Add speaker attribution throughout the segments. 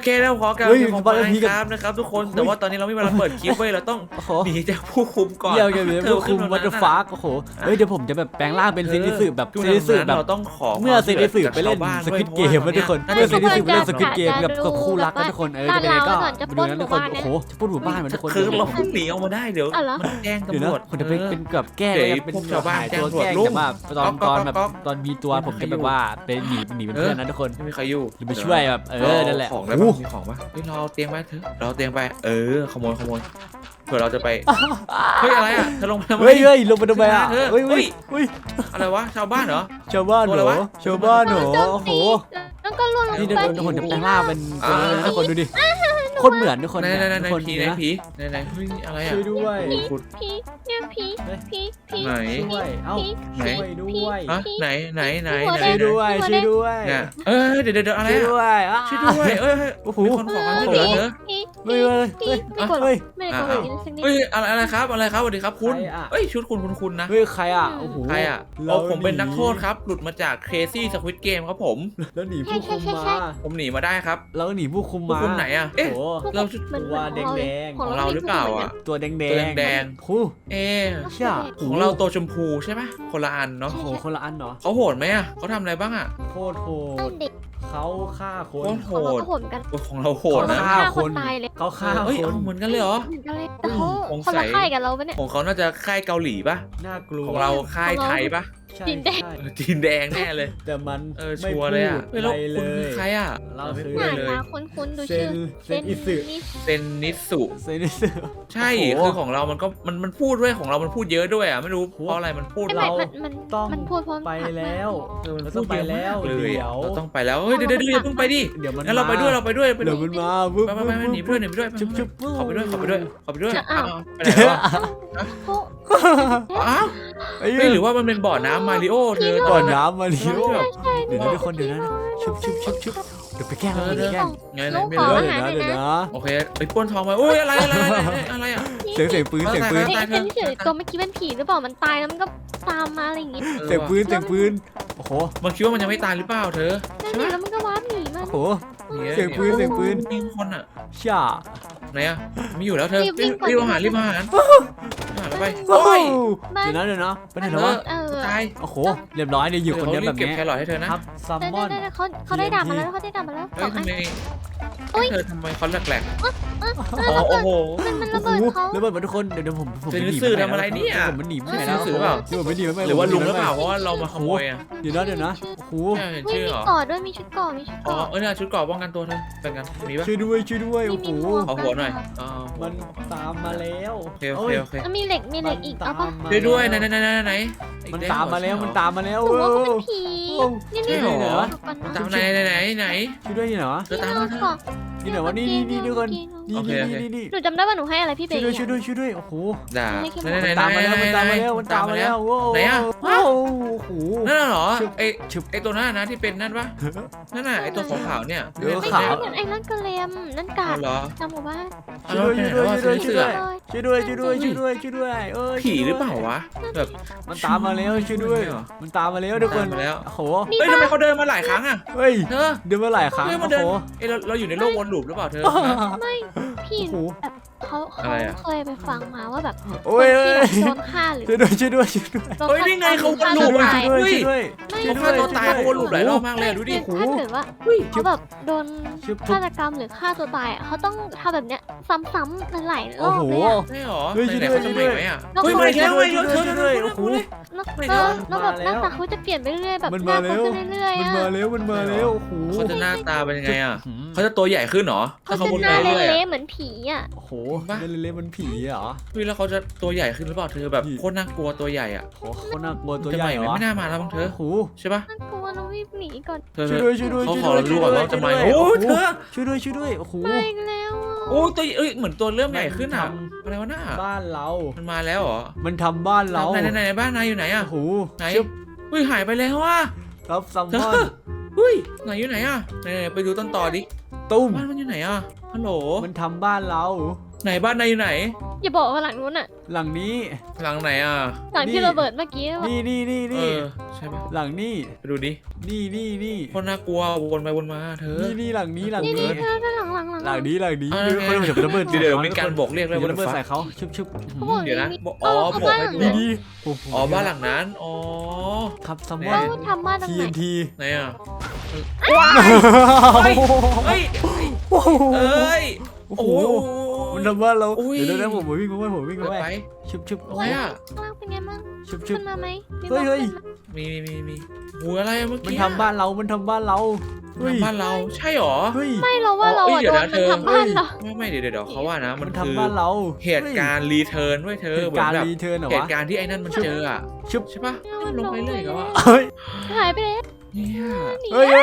Speaker 1: เคแล้วขอกล่าวขอบคุณนะครับทุกคนแต่ว่าตอนนี้เราไม่มีเวลาเปิดคลิปไว้เราต้องหนีจากผู้คุมก่อน
Speaker 2: เดี๋ยวผู้คุมวัตถุฟ้าโอ้โหเฮ้ยเดี๋ยวผมจะแบบแปลงร่างเป็นเซนิสึแบบเซนิสึแบบ
Speaker 1: เราต้องขอ
Speaker 2: เมื่อเซนิสึไปเล่นสควิดเกมนะทุกคนเมื่อเซนิสึไปเล่นสควิดเกมกับคู่รักนะทุกคนจะเป็นไงก็ดูนะทุกคนโอ้โหจะพูดหมู่บ้านเหมือนทุกคน
Speaker 1: คือเราหนีออกมาได้เดี๋ยวมันแจ้งตำรวจ
Speaker 2: คนจะเป็นแบบแก้เป็นชาวบ้านแจ้งตัวแก้แต่ว่าตอนมีตัวผมจะแบบว่าเป็นหนีเป็นเพื่อนนะทุกคน
Speaker 1: ไม่มีใครอยู่
Speaker 2: จะไปช่วยแบบนั่นแหละ
Speaker 1: ของได้มีของปะเฮ้ยเราเตียงไปเถอะเราเตียงไปขโมยเผื่อเราจะไปเฮ้ยอะไรอ่ะเธอลงไปทำไม
Speaker 2: เฮ้ยลงไปทำไมอ่ะเฮ้ย
Speaker 1: อะไรวะชาวบ้านเหรอ
Speaker 2: ชาวบ้านเหรอชาวบ้านเหรอโอ้โห
Speaker 3: แล้วก็ล่วงลงไป
Speaker 2: นี่ทุกคนจะแปลงร่างเป็นทุกคนดูดิคนเหมือนทุกคน
Speaker 1: ในผีเฮ้ยอะไรอ่ะ
Speaker 2: ช่วยด้วย
Speaker 3: ผีเนี่ยผี
Speaker 1: ไหน
Speaker 2: เอ้าช่วยด้วย
Speaker 1: ไหน
Speaker 2: ช่วยด้วย
Speaker 1: เดี๋ยวอะไร
Speaker 2: ช่วยด้วย
Speaker 1: ช่วยด้วยโอ้โหคนขอความช่วยเหลือเถอะ
Speaker 3: ไม่กด
Speaker 1: อะไรครับสวัสดีครับคุณชุดคุณนะ
Speaker 2: เฮ้ยใครอ่ะโอ้โห
Speaker 1: ใครอ่ะผมเป็นนักโทษครับหลุดมาจาก Crazy Squid Game ครับผม
Speaker 2: แล้วหนีผู้คุมมา
Speaker 1: ผมหนีมาได้ครับ
Speaker 2: แล้วหนีผู้คุมมา
Speaker 1: ไหนอ่ะเราชุด
Speaker 2: ตัวแดง
Speaker 1: ของเราหรือเปล่าอ่ะ
Speaker 2: ตัวแดง
Speaker 1: คู่
Speaker 2: ใช่
Speaker 1: ของเราตัวชมพูใช่ไหมคนละอันเนาะ
Speaker 2: โอ้โหคนละอันเนาะ
Speaker 1: เขาโหดไหมอ่ะเขาทำอะไรบ้างอ่ะ
Speaker 2: โคตรโหดเขาฆ่าคน
Speaker 1: โหดของเราโหดนะ
Speaker 2: ฆ่าคนเขาฆ่าคน
Speaker 1: เหมือนกันเลยเหรอ
Speaker 3: คนละค่ายกับเราปะเนี่ย
Speaker 1: ของเขาน่าจะค่ายเกาหลีป่ะ
Speaker 2: น่ากลัว
Speaker 1: ของเราค่ายไทยป่ะ
Speaker 3: จีนแด
Speaker 1: งแน่เลย
Speaker 2: แต่มัน
Speaker 1: ชัวร์เลยอ่ะแล้วคุณคือใครอ่ะ
Speaker 3: เราคือเลยคุ้นดูชื่อ
Speaker 2: เซนิสุ
Speaker 1: ใช่คือของเรามันพูดด้วยของเรามันพูดเยอะด้วยอ่ะไม่รู้เพราะอะไรมันพูด
Speaker 2: เรา
Speaker 3: มันพูดพร้อม
Speaker 2: ไปแล้ว
Speaker 1: เรา
Speaker 2: ต้องไปแล้ว
Speaker 1: เราต้องไปแล้วเฮ้ยเดี๋ยวเพิ่งไปดิงั้นเราไปด้วย
Speaker 2: เดี๋ยวมันมา
Speaker 1: ไปหนีไปด้วย
Speaker 2: ชุบ
Speaker 1: ขอไปด้วยไปไหนวะไม่หรือว่ามันเป็นบ่อน้ำมาริโอเธอ
Speaker 2: บ่อน้ำมาริโอเดี๋ยวนะทุกคนเดี๋ยวนะชุบเดี๋ยวไปแกล้ง
Speaker 1: ไงไม่รู้
Speaker 2: เดี๋ยวนะ
Speaker 1: โอเคไปป้นทองมาโอ้ยอะไรอ่ะ
Speaker 2: เสียงปืน
Speaker 3: ตัวเมื่อกี้เป็นผีหรือเปล่ามันตายแล้วมันก็ตามมาอะไรอย่างงี้
Speaker 2: เสียงปืนโอ้โห
Speaker 1: มันคิดว่ามันยังไม่ตายหรือเปล่าเธอ
Speaker 3: ใช่ไหมแล้วมันก็ว้าหนีมา
Speaker 2: โอ้โหเสียงปืน
Speaker 1: ยิงคนอ่ะ
Speaker 2: ช่า
Speaker 1: ไหนอ่ะไม่อยู่แล้วเธอรีบมาหาไป
Speaker 2: โอ้ยเดี๋ยวนะไปไหนแล้ววะ
Speaker 1: ตาย
Speaker 2: โอ้โหเรียบร้อยเนี่ยอยู่คนเดียวแบบนี้
Speaker 1: เก็บแครอทให้เธอนะครับ
Speaker 2: ซัมมอน
Speaker 3: เขาได้ดาบมาแล้ว
Speaker 1: เธอทำไมเขาแหลกโอ้โห
Speaker 3: มันระเบิดเขา
Speaker 2: ระเบิดมาทุกคนเดี๋ยวผม
Speaker 1: หนีสื่อทำอะไรเนี่ย
Speaker 2: ผมหนีไม่
Speaker 1: ได้
Speaker 2: แล้ว
Speaker 1: สื่อเปล่าหรือว่าลุงหรือเปล่าเพราะว่าเรามาขโมยอ่ะ
Speaker 2: เดี๋ยวนะโอ้โห
Speaker 3: มีเกาะด้วยมีชุดเกาะ
Speaker 1: เนี่ยชุดเกาะป้องกันตัวเธอเป็นกันมีปะ
Speaker 2: ช่วยด้วยโอ้โห
Speaker 1: ขอหัวหน่อย
Speaker 2: มันตามมาแล้ว
Speaker 1: โอเค
Speaker 3: มันมีเหล็กอีกเอาปะ
Speaker 1: ช่วยด้วยไหน
Speaker 2: มันตามมาแล้ว
Speaker 3: ผมว่าเขาเป็นผี
Speaker 1: นี่เหรอตามไหน
Speaker 2: ช่วยด้วยเหรอ
Speaker 1: เธอตามมาเธอ
Speaker 2: นี่เหรอวะนี่ทุกคนนี่
Speaker 3: หนูจำได้ว่าหนูให้อะไรพี่เบย์
Speaker 2: ช่วยด้วยโอ้โห
Speaker 1: ด่า
Speaker 2: ตามมาแล้ว
Speaker 1: ไหนอ่ะ
Speaker 2: โอ้โห
Speaker 1: นั่นเหรอไอตัวนั้นนะที่เป็นนั่นปะนั่นน่ะไอตัวขาวเนี่ย
Speaker 3: ไม่ใช่ไอ้นั่นกระเลมนั่นกาดจำหมู่บ้าน
Speaker 2: ช่วยด้วย
Speaker 1: ผีหรือเปล่าวะแบบ
Speaker 2: มันตามมาแล้วช่วยด้วยมันตามมาแล้วทุกคนโอ้โห
Speaker 1: เฮ้ยทำไมเขาเดินมาหลายครั้งอ่ะ
Speaker 2: เฮ้ยเดินมาหลายครั้ง
Speaker 1: โอ้โหเราอยู่ในโลกวนลูปหรือเปล่าเธอ
Speaker 3: ไม่พี่แบบเขาเคยไปฟังมาว่าแบบ
Speaker 2: โอ้ย
Speaker 3: โดนฆ่าหรือ
Speaker 2: ช่วยด้วย
Speaker 1: เฮ้ยนี่ไงเขาวนลูปอ่ะเขาฆ่าตัวตายเขาวนลูปหลายรอบมากเลยดูดิ
Speaker 3: ถ้าเกิดว่าเขาแบบโดนฆาตกรรมหรือฆ่าตัวตายเขาต้องทำแบบเนี้ยซ้ำๆหลายรอบเลย
Speaker 1: ใช่หรอไหนเขาจะใหม่ไหมอ่ะเฮ้ยมาแล้วโอ้โห
Speaker 3: แล้วแบบหน้าตาเขาจะเปลี่ยนไปเรื่อยแบบหน้าเขาขึ้นเรื่อย
Speaker 2: มันมาแล้วโอ้โห
Speaker 1: เขาจะหน้าตาเป็นยังไงอ่ะเขาจะตัวใหญ่ขึ้นหรอ
Speaker 3: เขาจะหน้าเละๆเหมือนผีอ่ะ
Speaker 2: โอ้โหเละๆมันผีเหรอ
Speaker 1: เฮ้ยแล้วเขาจะตัวใหญ่ขึ้นหรือเปล่าเธอแบบโคตรน่ากลัวตัวใหญ่อ่ะ
Speaker 2: โคตรน่ากลัวตัวใหญ่เหรอ
Speaker 1: ไม่น่ามาแล้วบ้างเธอ
Speaker 2: โอ้
Speaker 1: ใช่ปะ
Speaker 3: น่ากลัวเรารีบหนีก่อน
Speaker 2: ช่วยด้วย
Speaker 1: เขาขอรู้ก่อนว่าจะมาโอ้เธอ
Speaker 2: ช่วยด้วยโอ้โห
Speaker 3: ไปแล้ว
Speaker 1: โอ้ตัวเหมือนตัวเริ่มใหญ่ขึ้นอ่ะอะไรวะหน้า
Speaker 2: บ้านเรา
Speaker 1: มันมาแล้วเหรอ
Speaker 2: มันทำบ้านเรา
Speaker 1: ไหนบ้านนายอยู่ไหนอ่ะ
Speaker 2: โอ้โห
Speaker 1: ไหนเฮ้ยหายไปแล้วว่ะ
Speaker 2: ครับซัมมอน
Speaker 1: เฮ้ยไหนอยู่ไหนอ่ะไหนไปดูต้นต่อดิ
Speaker 2: ตุ้ม
Speaker 1: บ้านมันอยู่ไหนอ่ะฮัลโหล
Speaker 2: มันทำบ้านเรา
Speaker 1: ไหนบ้านนายอยู่ไหน
Speaker 3: อย่าบอกว่าหลังนู้นอ่ะ
Speaker 2: หลังนี้
Speaker 1: หลังไหนอ่ะ
Speaker 3: หลังที่ระเบิดเมื่อกี้
Speaker 2: นี่
Speaker 1: ใช่ปะ
Speaker 2: หลังนี้
Speaker 1: ไปดูดิ
Speaker 2: นี่
Speaker 1: คนน่ากลัววนไปวนมาเธอ
Speaker 2: นี่หลังนี้
Speaker 3: นี่
Speaker 2: ห
Speaker 3: เธอหลัง
Speaker 2: ลังนี้คนจะระเบิด
Speaker 1: เดี๋ยวมีการบอกเรียกเลย
Speaker 2: ระเบิดใส่เขาชุบ
Speaker 3: เขาบอก
Speaker 1: เดี๋ยวนะ
Speaker 3: นี่
Speaker 1: อ๋อบอกให้ดู
Speaker 2: นี่
Speaker 1: อ๋อบ้านหลังนั้นอ๋อ
Speaker 2: ครับซัมม
Speaker 1: เนี่
Speaker 2: อย น
Speaker 3: เขาทำบ้านตรงไหน
Speaker 2: TNT
Speaker 1: ไหนอ่ะเฮ้ยเอ้ยโอ้โห
Speaker 2: มันทำว่าเรา
Speaker 1: อุ้ย
Speaker 2: เดี๋ยวผมวิ่งไป
Speaker 1: ไป
Speaker 2: ชุบ
Speaker 1: อะไรอ่ะ
Speaker 3: ข้างล่างเป็นไงมั่ง
Speaker 2: ชุบ
Speaker 3: ขึ้นมาไหม
Speaker 2: เฮ้ย
Speaker 1: มีหัวอะไรเมื่อ
Speaker 2: มัน
Speaker 1: กี้
Speaker 2: ทำบ้านเราเฮ้ย
Speaker 1: บ้านเราใช่หรอ
Speaker 2: เฮ้ย
Speaker 3: ไม่เราว่าเรา
Speaker 1: เอ้
Speaker 3: อะ
Speaker 1: ยเดี๋
Speaker 3: โด
Speaker 1: ยวน นะ
Speaker 3: มันทำบ้านเรา
Speaker 1: ไม่เดี๋ยวเขาว่านะมัน
Speaker 2: มัน
Speaker 1: คือ
Speaker 2: ทำบ้านเรา
Speaker 1: เหตุการณ์รีเทิร์นด้วยเธอ
Speaker 2: เหตุ
Speaker 1: เหมือ
Speaker 2: การ
Speaker 1: น
Speaker 2: ณ์
Speaker 1: แบบ
Speaker 2: รีเทิร์นเหรอ
Speaker 1: เห
Speaker 2: วะ
Speaker 1: ตุการณ์ที่ไอ้นั่นมันเจออ่ะ
Speaker 2: ชุบ
Speaker 1: ใช่ปะลงไปเลยเหรอวะ
Speaker 2: เฮ้ย
Speaker 3: หายไปแล้ว
Speaker 1: เนี่ย
Speaker 2: เฮ้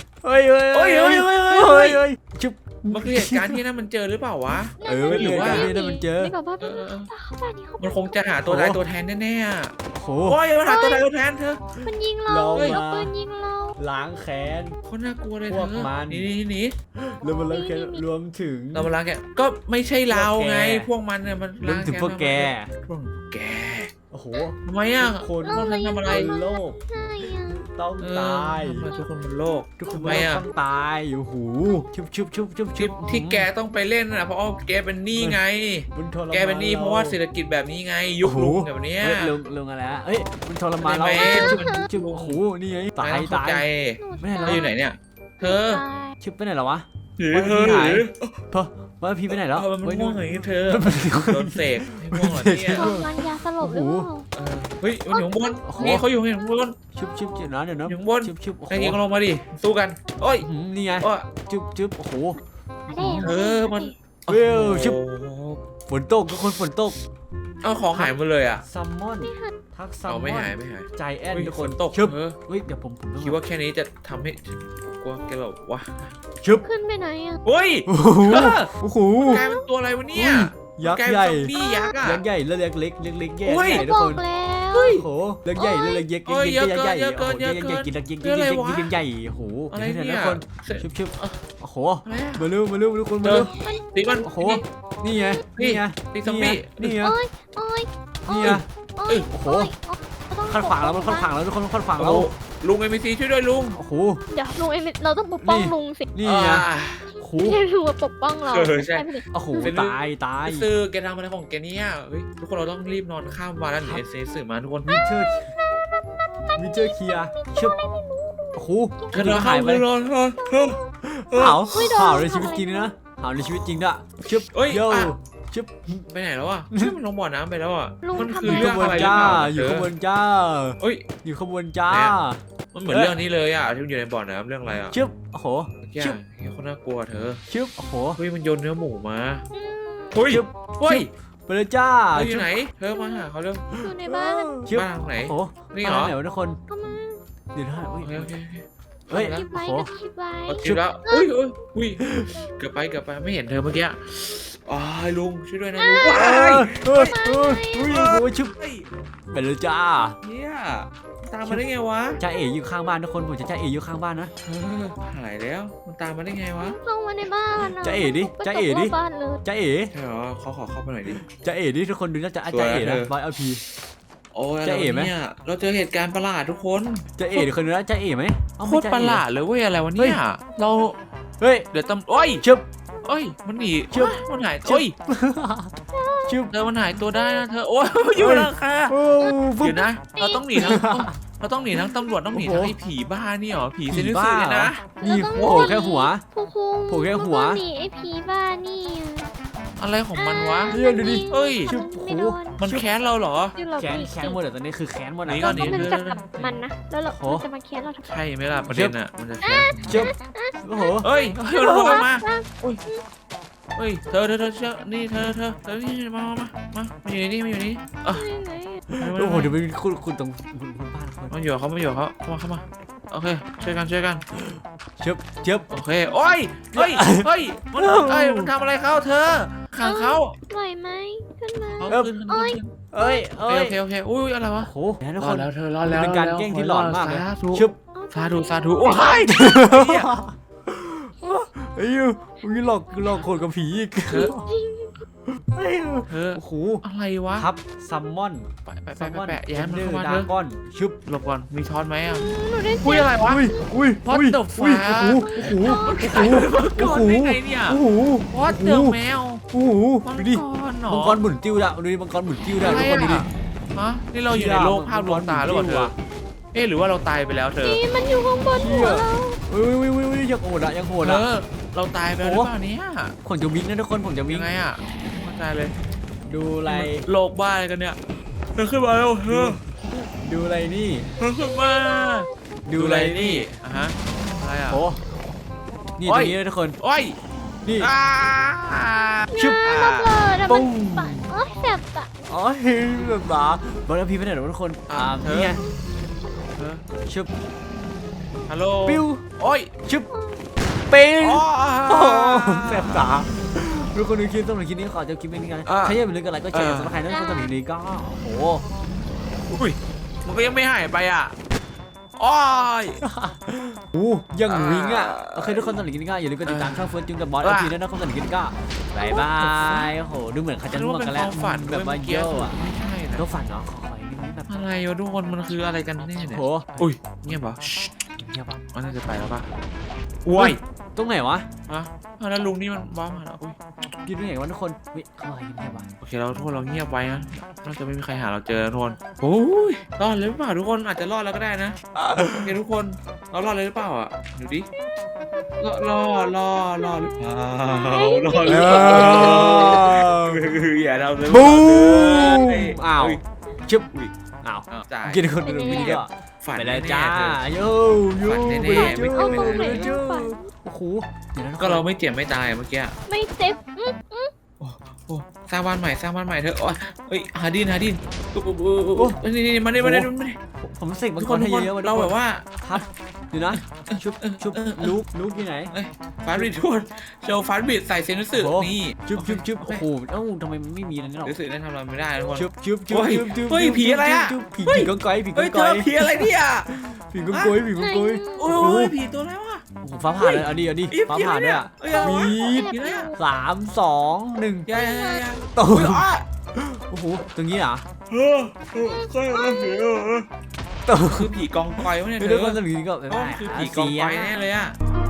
Speaker 2: ยชุบ
Speaker 1: มันคือเหตุการณ์ที่นั่นมันเจอหรือเปล่าวะ
Speaker 2: หรือว่านี่มันเจอ
Speaker 3: นี่กับบ้านเข้าบ้านนี่เขา
Speaker 1: มันคงจะหาตัวตายตัวแทนแน่ๆอ่ะ
Speaker 2: โห
Speaker 1: โอ้ยมันหาตัวตายตัวแทนเธอ
Speaker 3: มันยิงเรา
Speaker 2: เรา
Speaker 3: เอา
Speaker 2: มา
Speaker 3: ปืนยิงเรา
Speaker 2: ล้างแค้น
Speaker 1: คนน่ากลัวเลย
Speaker 2: พ
Speaker 1: เธ
Speaker 2: ว
Speaker 1: อก
Speaker 2: มัน
Speaker 1: หนี
Speaker 2: แล้วมันล้างแค้นรวมถึง
Speaker 1: เรามาล้างแกก็ไม่ใช่เราไง พวกมันเนี่ยมัน
Speaker 2: รวมถึงพวกแก
Speaker 1: พวกแก
Speaker 2: โอ้โห
Speaker 1: ทำไมอ่ะ
Speaker 2: ทุกคน
Speaker 1: พวกนั้นทำอะไร
Speaker 2: บนโลก
Speaker 3: ใช่อะ
Speaker 2: ต้อง
Speaker 1: เออ
Speaker 2: ตาย
Speaker 1: ทำไมทุกคนบนโลก
Speaker 2: ทุกคน
Speaker 1: ทำไมอ่ะ
Speaker 2: ต้องตายโอ้โหชุบ
Speaker 1: ที่แกต้องไปเล่นน่ะเพราะแกเป็นหนี้ไง
Speaker 2: มันทรมาน
Speaker 1: แกเป็นหนี้เพราะว่าเศรษฐกิจแบบนี้ไง ยุคลุงแบบเนี้ย
Speaker 2: เฮ้ยลุงอะไรอะเฮ้ยมันทรมานเรา
Speaker 1: ไม่
Speaker 2: ชุบโอ้โหนี่ไงตาย
Speaker 1: ไม่ต้องเข้
Speaker 2: ตาย
Speaker 1: ใจ
Speaker 2: ไม่ได้
Speaker 1: เธ
Speaker 2: แล้
Speaker 1: อ
Speaker 2: ว
Speaker 1: อยู่ไหนเนี่ย เธอ
Speaker 3: ตาย
Speaker 2: ชุบไปไหนแล้ววะ
Speaker 1: หรือ
Speaker 2: ว่า
Speaker 1: เธอ
Speaker 2: พี่
Speaker 1: ห
Speaker 2: หาย
Speaker 1: รือ
Speaker 2: เพราะว่าพี่ไปไหนแล้ว
Speaker 1: มัน
Speaker 2: เฮ้ย
Speaker 1: ม่วงอย่างนี้เธอโดนเสกให้ม่วงเหรอเนี่ย
Speaker 3: กำลังยาสลบหรือเปล่า
Speaker 1: เฮ้ยมันอยู่ข้างบนนี่เขาอยู่ข้างบน
Speaker 2: ชุบเดี๋ยวนะ
Speaker 1: อยู่ข้างบน
Speaker 2: ชุบโอ้โห
Speaker 1: นายยิงลงมาดิสู้กันโอ้ย
Speaker 2: นี่ไง
Speaker 1: โอ้ย
Speaker 2: ชุบโอ้โห
Speaker 3: แดง
Speaker 1: มัน
Speaker 2: เว้ยชุบ
Speaker 1: โอ้โห
Speaker 2: ฝนตกทุกคนฝนตก
Speaker 1: เอาของหายหมดเลยอ่ะ
Speaker 2: ซัมมอนทักซัม
Speaker 1: เอา
Speaker 2: ม
Speaker 1: ไม่
Speaker 2: อน
Speaker 1: หาย
Speaker 2: ใจแอน
Speaker 1: เฮ้ย
Speaker 2: ทุก
Speaker 1: ฝ
Speaker 2: คน
Speaker 1: นตก
Speaker 2: ชุบ
Speaker 1: เฮ้ย
Speaker 2: เดี๋ยวผม
Speaker 1: คิดว่าแค่นี้จะทำให้กลัวแกแบบว่า
Speaker 2: ชุบ
Speaker 3: ขึ้นไปไหนอะ
Speaker 1: เฮ้ย
Speaker 2: โอ้โห
Speaker 1: เธอ
Speaker 2: โอ้โห
Speaker 1: กลายเป็นตัวอะไรวะเนี่ย
Speaker 2: ยัก
Speaker 1: กลาย
Speaker 2: ษ์
Speaker 1: เป็น
Speaker 2: ใหญ่
Speaker 1: ซอมบี้ยักษ์อ่ะ
Speaker 2: ยักษ์ใหญ่แล้วเล็กแย่
Speaker 1: อุ้ย
Speaker 2: ใหญ่ทุ
Speaker 3: บ
Speaker 2: ก
Speaker 3: อ
Speaker 2: ค
Speaker 3: ก
Speaker 2: น
Speaker 3: แล้ว
Speaker 2: โอ้โหเล็กใหญ่แล้วเล็กยักษ์
Speaker 1: เอ้ย
Speaker 2: ยักษ์ใหญ่
Speaker 1: เยอะเกิน
Speaker 2: โอ้โหยักษ์ใหญ่กินยักษ์กินใหญ่โอ้โห
Speaker 1: อะไร
Speaker 2: ทุ
Speaker 1: เนี่ย
Speaker 2: กคน
Speaker 1: เสร็จ
Speaker 2: ชุบโอ้โห
Speaker 1: อะไรอะ
Speaker 2: มาเร็วทุกคน
Speaker 1: เจ
Speaker 2: มา
Speaker 1: อ
Speaker 2: เร็ว
Speaker 1: ตีมัน
Speaker 2: โอ้โหนี่ไงนี่ไง
Speaker 1: ตีซอมบี้
Speaker 2: นี่ไง
Speaker 3: โอ้ยโอ้ย
Speaker 2: นี่ไง
Speaker 3: โอ้ย
Speaker 2: โอ้โห
Speaker 3: ต้อง
Speaker 2: ขัดขวางแล้วมันขัดขวางแล้วทุกคนขัดขวาง
Speaker 1: โอ้
Speaker 2: เรา
Speaker 1: ลุงเอ็มซีช่วยด้วยลุง
Speaker 2: โอ้โห
Speaker 3: เดี๋ยวลุงเอ็มเราต้องปกป้องลุงสิ
Speaker 2: นี่ไง
Speaker 1: อ่า
Speaker 2: โอ้โห
Speaker 3: ไม่ใช่ลุงมาปกป้องเรา
Speaker 1: ใช่
Speaker 3: ไม่ได้
Speaker 2: โอ้โหตาย
Speaker 1: ซื้อแกทำอะไรของแกเนี่ยเฮ้ยทุกคนเราต้องรีบนอนข้ามวันแล้วหนีเอซีสื่อมาทุกคน
Speaker 2: วิเจอร์เคลียร์ชุบโอ้โห
Speaker 1: เธอหายไปนอน
Speaker 2: เผาในชีวิตจริงนะเผาในชีวิตจริงด้วยชุบโยชุบ
Speaker 1: ไปไหนแล้วอ่ะมันลงบ่อน้ำไปแล้วอ่ะ
Speaker 3: ลุง
Speaker 1: มัน
Speaker 3: ทำ
Speaker 1: คือ
Speaker 3: ไม
Speaker 1: เรื่องอะไรหรือเปล่า
Speaker 2: อยู่ขบวนจ้า
Speaker 1: เฮ้ย
Speaker 2: อยู่ขบวนจ้า
Speaker 1: มันเหมือนเรื่องนี้เลยอ่ะที่มันอยู่ในบ่อน้ำเรื่องอะไรอ่ะ
Speaker 2: ชุบโอ้โห
Speaker 1: แกคนน่ากลัวเธอ
Speaker 2: ชุบโอ้โห
Speaker 1: เฮ้ยมันโยนเนื้อหมูมาเฮ้ย
Speaker 2: ชุบ
Speaker 1: เฮ้ย
Speaker 2: ไปเลยจ้า
Speaker 1: เธออยู่ไหนเธอมาหาเขาเร็ว
Speaker 3: อยู่ในบ้าน
Speaker 2: ชุบ
Speaker 1: บ้านไหน
Speaker 2: โอ้โห
Speaker 1: นี่เหรอ
Speaker 2: ไหนวะทุกคน
Speaker 3: เข้ามา
Speaker 2: เดี๋ยวนะ
Speaker 1: โอเค
Speaker 2: เฮ้ย
Speaker 3: คิดไว้
Speaker 2: โอ้โห
Speaker 3: ก็คิดไว้
Speaker 1: เอาคิดแล้วอุ้ยเกือบไปไม่เห็นเธอเมื่อกี้อ๋อลุงช่วยด้วยนะลุงว้าย
Speaker 2: โอ้โหชุบ
Speaker 1: เฮ้ย
Speaker 2: ไปเลยจ้า
Speaker 1: เนี่ยตามมาได้ไงวะ
Speaker 2: จ้าเอ๋อยู่ข้างบ้านทุกคนผมจะจ้าเอ๋อยู่ข้างบ้านนะ
Speaker 1: หายแล้วมันตามมาได้ไงวะ
Speaker 3: เข้ามาในบ้านนะ
Speaker 2: จ๊ะเอ๋ดิจ๊ะเอ๋ดิ
Speaker 3: ไปตบรบบ้านเลย
Speaker 2: จ้าเอ๋
Speaker 1: ใช่เหรอเขาขอเข้าไปหน่อยดิ
Speaker 2: จ้าเอ๋ดิทุกคนดูน่าจะจ้าเอ๋นะร้อยเอาพี
Speaker 1: โอ้ย
Speaker 2: จะเอ๋ไหม
Speaker 1: เนี่ยเราเจอเหตุการณ์ประหลาดทุกคน
Speaker 2: จ้าเอ๋ดิคนนึงนะจ้าเอ๋ไหม
Speaker 1: โคตรประหลาดเลยเว้ยอะไรวะเนี่ยเรา
Speaker 2: เฮ้ย
Speaker 1: เดี๋ยวโอ้ย
Speaker 2: ชุบ
Speaker 1: เอ้ยมันหนี
Speaker 2: ชึบ
Speaker 1: มันหายโอ้ย
Speaker 2: ชุบ
Speaker 1: เธอมันหายตัวได้นะเธอโอ้ยอยู่แล้วค่ะ
Speaker 2: โอ้
Speaker 1: เดี๋ยวนะเราต้องหนีทั้งเราต้องหนีทั้งตำรวจต้องหนีทั้งไอ้ผีบ้านี่หรอผีเซนิสึเนี่ยนะ
Speaker 2: นี่โอ้โหแค่หัว
Speaker 3: ผู้คุม
Speaker 2: โผล่แค่หัว
Speaker 3: หนีไอ้ผีบ้านี่
Speaker 1: อะไรของมันวะ
Speaker 2: เนี่ยดูดิ
Speaker 1: เฮ้ย
Speaker 2: ชุบ
Speaker 3: ไม่โดน
Speaker 1: มันแค้นเราเหรอ
Speaker 3: ที่เรา
Speaker 2: แค้นหมดแต่ตอนนี้คือแค้นหมด
Speaker 1: หนี
Speaker 2: นะ
Speaker 1: ก่
Speaker 3: เรา
Speaker 1: อน
Speaker 3: ต้องเป็นจับกับมันนะแล้วเรา
Speaker 2: โอ้
Speaker 3: จะมาแค้นเราทำไม
Speaker 1: ใช่ไหมล่ะประเด็นอ่ะมันจะแค้น
Speaker 2: ชุบโอ้โห
Speaker 1: เฮ้ยมันโผล่มาเฮ้ยเธอเชื่อนี่เธอนี่มาอยู่นี่มาอยู่นี่อ่ะ
Speaker 2: โอ้โหเดี๋ยวไปคุณตรงคุณบ้านคน
Speaker 1: มาอยู่เขาเข้ามาโอเคช่วยกัน
Speaker 2: ชุบ
Speaker 1: โอเคโอ้ยมันทำอะไรเขาเธอขังเขา
Speaker 3: ไหวไหมขึ้นมา
Speaker 1: เขาขึ้น
Speaker 2: เอ้ย
Speaker 1: โอเคอุ้ยอะไรวะ
Speaker 2: โอ้โหทุกคน
Speaker 1: แล้วเธอรอแล้ว
Speaker 2: เป็นการแกล้งที่หลอนมากเลย
Speaker 1: ชุ
Speaker 2: ชุ
Speaker 1: บบ สาธุโอ้ย
Speaker 2: ไอ้ยูมึงหลอกคนกับผีอีก
Speaker 1: เธอ
Speaker 2: โอ้โห
Speaker 1: อะไรวะ
Speaker 2: ทับซัมมอน
Speaker 1: ไปแย้มมันเข้ามา
Speaker 2: ดา
Speaker 1: เถอะ
Speaker 2: ก้อนชึบ
Speaker 1: หลบก่อนมีช้อนไหมอ่ะ
Speaker 3: หนูได้
Speaker 1: คุย
Speaker 3: เจ็บ
Speaker 1: อะไรวะ
Speaker 2: อุ้ย
Speaker 1: What the
Speaker 2: อุ้ย
Speaker 1: fuck
Speaker 2: โอ้โหโอ้โห
Speaker 1: มังกรได้ไงเนี่ย
Speaker 2: โอ้โห
Speaker 1: What the แมว
Speaker 2: โอ้โห
Speaker 1: มัง
Speaker 2: ดู
Speaker 1: ก
Speaker 2: ดิ
Speaker 1: รเหรอ
Speaker 2: มังกรหมุนติ้วได้ดูดิมังกรหมุนติ้วได้
Speaker 1: อะไร
Speaker 2: ทุกคนดูดิ
Speaker 1: อ่ะฮะนี่เราอยู่ในโลกภาพลวงตาหรือเปล่าเธอเอ๊ะหรือว่าเราตายไปแล้วเธอ
Speaker 3: นี่มันอยู่ข้างบนหัวเรา
Speaker 2: อุ้ยยังโหดอะยังโหด
Speaker 1: เธ
Speaker 2: อะ
Speaker 1: อเราตายไปแล้วหรือเปล่าเนี่ย
Speaker 2: ผมจะวิ่งนะทุกคนผมจะวิ่
Speaker 1: ยัง งไงอ่ะเข้าใจเลย
Speaker 2: ดูอะไร
Speaker 1: โลกบ้าอะไรกันเนี่ยเธอขึ้นมาแล้วเธอ
Speaker 2: ดูอะไรนี่
Speaker 1: เธอขึ้นมา
Speaker 2: ดูอะไรนี่
Speaker 1: อ่ะฮะอะไรอ่ะ
Speaker 2: โอ้นี่
Speaker 1: โอ้
Speaker 2: ตร
Speaker 1: ย
Speaker 2: งนี้เลยทุกคน
Speaker 1: โอ้ย
Speaker 2: นี่
Speaker 1: อ่า
Speaker 2: ชึบ
Speaker 3: ระเบิดอะ
Speaker 2: ปุ้
Speaker 3: มัน
Speaker 2: ง
Speaker 3: ปะโอ๊ยเจ็บอะ
Speaker 2: อ๋อเฮ้ยแบบบ้าบอลพีไปไหนหรอทุกคนนี่ไง
Speaker 1: เธอ
Speaker 2: ชึบ
Speaker 1: ฮัลโหล
Speaker 2: ปิ้ว
Speaker 1: โอ้ย
Speaker 2: ชึบปิ้ง
Speaker 1: อ๋อ
Speaker 2: โอ้แสบตาทุกคนดูคลิปสำหรับคลิปนี้ขอจบคลิปนี้กันใครอยากเป็นเรื่องอะไรก็แชร์สำหรับใครนั่นก็สำหรับคลิปนี้ก็โอ้โห
Speaker 1: อุ้ยมันก็ยังไม่หายไปอ่ะโอ้ย
Speaker 2: โอ้ยังวิ่งอ่ะโอเคทุกคนสำหรับคลิปนี้ก็อย่าลืมกดติดตามช่องเฟิร์สจุงกับบอสเอาทีด้วยนะครับสำหรับคลิปนี้ก็บายบายโอ้โหดูเหมือนเขาจะง่วงกันแล้ว
Speaker 1: ฝัน
Speaker 2: แบบว่าเยอะอ่ะ
Speaker 1: ไม่ใช่นะ
Speaker 2: ก็ฝันเนาะขออีกนิดแบบ
Speaker 1: อะไรวะทุกคนมันคืออะไรกันแน่เนี่ย
Speaker 2: โห
Speaker 1: อุ้ยเงียบปะ
Speaker 2: เงียบอ่ะ
Speaker 1: มันน่าจะไปแล้วปะอุ้ย
Speaker 2: ตรงไหนวะ
Speaker 1: ฮะแล้วลุงนี่มันว้ามาแล้วอุ้ย
Speaker 2: กินตรงไหนวะทุกคนวิเข้าไปเงียบอ่ะ
Speaker 1: โอเคเราทุกคนเราเงียบไว้นะน่าจะไม่มีใครหาเราเจอนะทุกคนโอ้ยรอดเลยหรือเปล่าทุกคนอาจจะรอดแล้วก็ได้นะโอเคทุกคนเรารอดเลยหรือเปล่าอ่ะดูดิรอดหรือเปล่ารอดหรือเปล่าอย่าเราเลย
Speaker 2: บูมอ้าวชึบอ้าว
Speaker 1: จ่าย
Speaker 2: กินคนดูวิดีโอ
Speaker 1: ฝัน
Speaker 2: ไปเลย
Speaker 1: แน่ๆ
Speaker 2: จ้า
Speaker 1: เธอ
Speaker 2: โย่โย่
Speaker 1: ฝันแน่ๆไม่
Speaker 3: เอา
Speaker 1: ไม่
Speaker 3: ตรงไหน
Speaker 1: ไม่
Speaker 3: ลูกฝัน
Speaker 2: โอ้โหเดี๋ยวนะ
Speaker 1: ก็เราไม่เจ็บไม่ตายเมื่อกี้
Speaker 3: ไม่เจ็บ
Speaker 1: โอ้สร้างบ้านใหม่สร้างบ้านใหม่เถอะโอ้ยเอ้ยหาดินนี่มาดิ
Speaker 2: ผมเสกมั
Speaker 1: ทุ
Speaker 2: ง
Speaker 1: ก
Speaker 2: ก
Speaker 1: ค
Speaker 2: ร
Speaker 1: น
Speaker 2: ให้
Speaker 1: ทุกคน
Speaker 2: เยอะๆ
Speaker 1: เราแบบว่า
Speaker 2: ครับเดี๋ยวนะชุบลูกอยู่ไหน
Speaker 1: ฟาสบิดทุกคนโชว์ฟาสบิดใส่เซนส์สึนี่
Speaker 2: ชุบโอ้โหเอ้าทำไมมันไม่มีอะไรนี่หรอ
Speaker 1: รู้สึกได้ทำอะไรไม่ได้ทุกคน
Speaker 2: ชุบ
Speaker 1: เฮ้ยผีอะไรอะ
Speaker 2: ผีกองก้อยผีก
Speaker 1: เฮ้
Speaker 2: อย ง
Speaker 1: เจ
Speaker 2: ก้อ
Speaker 1: อย ผีอะไรเนี่ย
Speaker 2: ผีกองก้อยผีกองก้อย
Speaker 1: โอ้ยผีตัวอะไรวะ
Speaker 2: ฟ้าผ่าเลยเอาดิฟ้าผ่าด้วยอ่ะวีด
Speaker 1: ผีอะไรอะ
Speaker 2: 3 2 1
Speaker 1: ยา
Speaker 2: ตู
Speaker 1: อุ้ย
Speaker 2: ม
Speaker 1: อ๋อ
Speaker 2: โอ้โหตรงนี้อ่ะ
Speaker 1: คือผีกองกอยวะเนี่ย
Speaker 2: ไม่
Speaker 1: เธ
Speaker 2: ได้
Speaker 1: อ
Speaker 2: คนสนิทก็
Speaker 1: คือผีกองกอยแน่เลยอะ